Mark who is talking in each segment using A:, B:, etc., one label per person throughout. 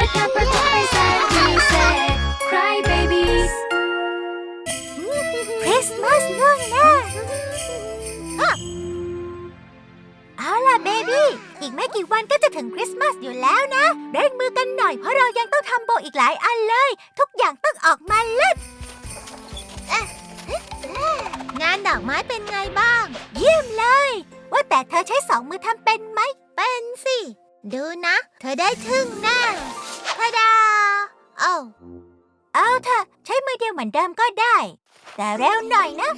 A: กันประกอบไปแสนดีแสน Cry babies
B: คริสต์มาสล่วงหน้าเอาล่ะเบบี้อีกไม่กี่วันก็จะถึงคริสต์มาสอยู่แล้วนะเร่งมือกันหน่อยเพราะเรายังต้องทำโบอีกหลายอันเลยทุกอย่างต้องออกมาเลิศงานดอกไม้เป็นไงบ้างเยี่ยมเลยว่าแต่เธอใช้สองมือทำเป็นไหมเป็นสิดูนะเธอได้ทึ่งแน่ทาดาเอาเถอะใช้มือเดียวเหมือนเดิมก็ได้แต่เร็วหน่อยนะ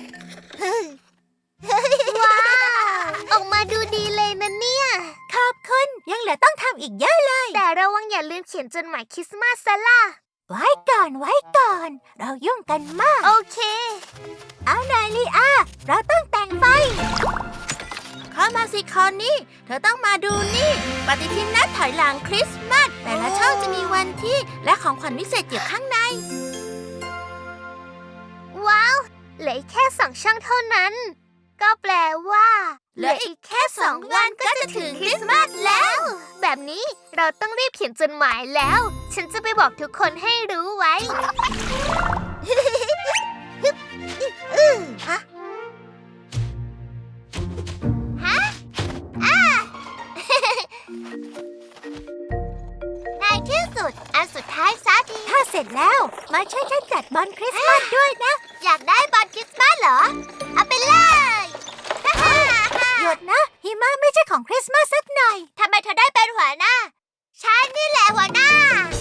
B: ว้าวออกมาดูดีเลยนะเนี่ยขอบคุณยังเหลือต้องทำอีกเยอะเลยแต่ระวังอย่าลืมเขียนจดหมายคริสต์มาสซะล่ะไว้ก่อนเรายุ่งกันมากโอเคเอาหน่อยลีอาเราต้องแต่งไฟเข้ามาสิคอนนี่เธอต้องมาดูนี่ปฏิทินนัดถอยหลังคริสต์มาสแต่ละช่องจะมีวันที่และของขวัญพิเศษอยู่ข้างในว้าวเหลืออีกแค่2 ช่องเท่านั้นก็แปลว่าเหลืออีกแค่2 วันก็จะถึงคริสต์มาสแล้วแบบนี้เราต้องรีบเขียนจดหมายแล้วฉันจะไปบอกทุกคนให้รู้ไว้ในที่สุดอันสุดท้ายซะทีถ้าเสร็จแล้วมาช่วยฉันจัดบอลคริสต์มาสด้วยนะอยากได้บอลคริสต์มาสเหรอเอาไปเลยหยุดนะหิมะไม่ใช่ของคริสต์มาสสักหน่อยทำไมเธอได้เป็นหัวหน้าฉันนี่แหละหัวหน้า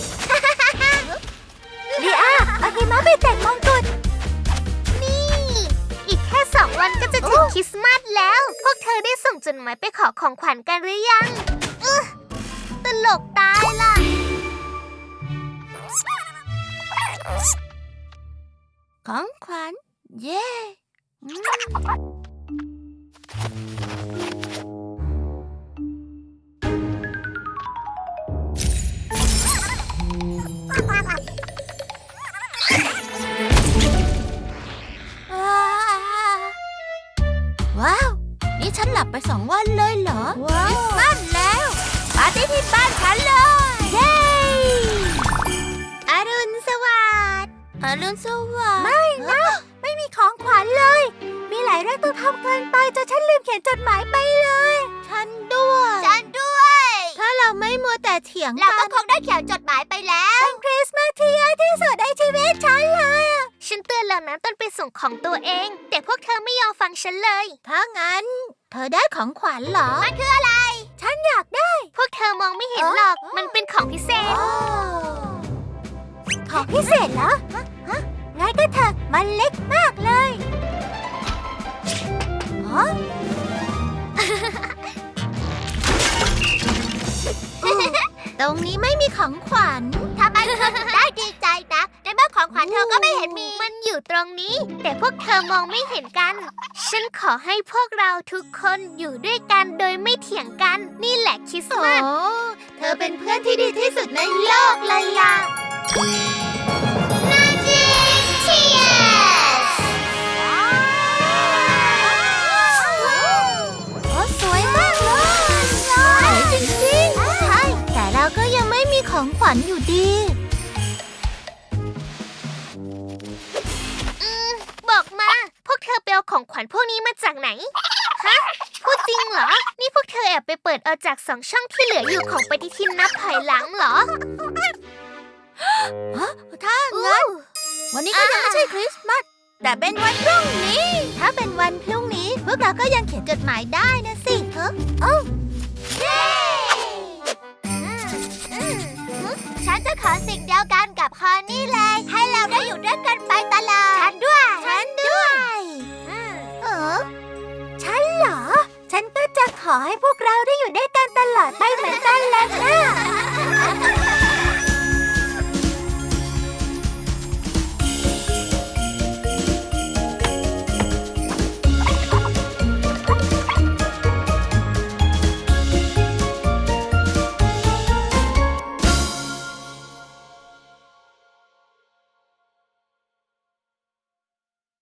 B: ลีอาเอาหิมะไปแต่งมงกุฎนี่อีกแค่2 วันก็จะถึงคริสต์มาสแล้วพวกเธอได้ส่งจดหมายไปขอของขวัญกันหรือยังตลกตายล่ะของขวัญเย้ว้าวนี่ฉันหลับไป2 วันเลยเหรอคริสต์มาสแล้วปาร์ตี้ที่บ้านฉันเลยเย้อรุณสวัสดิ์อรุณสวัสดิ์ไม่นะไม่มีของขวัญเลยมีหลายเรื่องต้องทำเกินไปจนฉันลืมเขียนจดหมายไปเลยฉันด้วยถ้าเราไม่มัวแต่เถียงกันเราก็คงได้เขียนจดหมายไปแล้วเป็นคริสต์มาสที่ยากที่สุดในชีวิตฉันเลยฉันเตือนแล้วนะต้นไปส่งของตัวเองแต่พวกเธอไม่ยอมฟังฉันเลยถ้างั้นเธอได้ของขวัญเหรอมันคืออะไรฉันอยากได้พวกเธอมองไม่เห็นหรอกมันเป็นของพิเศษของพิเศษเหรองั้นก็เถอะมันเล็กมากเลยตรงนี้ไม่มีของขวัญทำไมเธอถึงได้ดีใจนะในเมื่อของขวัญเธอก็ไม่เห็นมีมันอยู่ตรงนี้แต่พวกเธอมองไม่เห็นกันฉันขอให้พวกเราทุกคนอยู่ด้วยกันโดยไม่เถียงกันนี่แหละคริสต์มาสเธอเป็นเพื่อนที่ดีที่สุดในโลกเลยล่ะMagic Tears โอ้สวยมากเลยสวยจริงๆใช่แต่เราก็ยังไม่มีของขวัญอยู่ดีบอกมาพวกเธอไปเอาของขวัญพวกนี้มาจากไหนฮะพูดจริงเหรอนี่พวกเธอแอบไปเปิดเอาจาก2 ช่องที่เหลืออยู่ของปฏิทินนับถอยหลังเหรอถ้างั้นวันนี้ก็ยังไม่ใช่คริสต์มาสแต่เป็นวันพรุ่งนี้ถ้าเป็นวันพรุ่งนี้พวกเราก็ยังเขียนจดหมายได้นะสิเย้ฉันจะขอสิ่งเดียวกันกับคอนนี่เลยให้เราได้อยู่ด้วยกันไปตลอดฉันด้วยฉันเหรอฉันก็จะขอให้พวกเราได้อยู่ด้วยกันตลอดไปเหมือน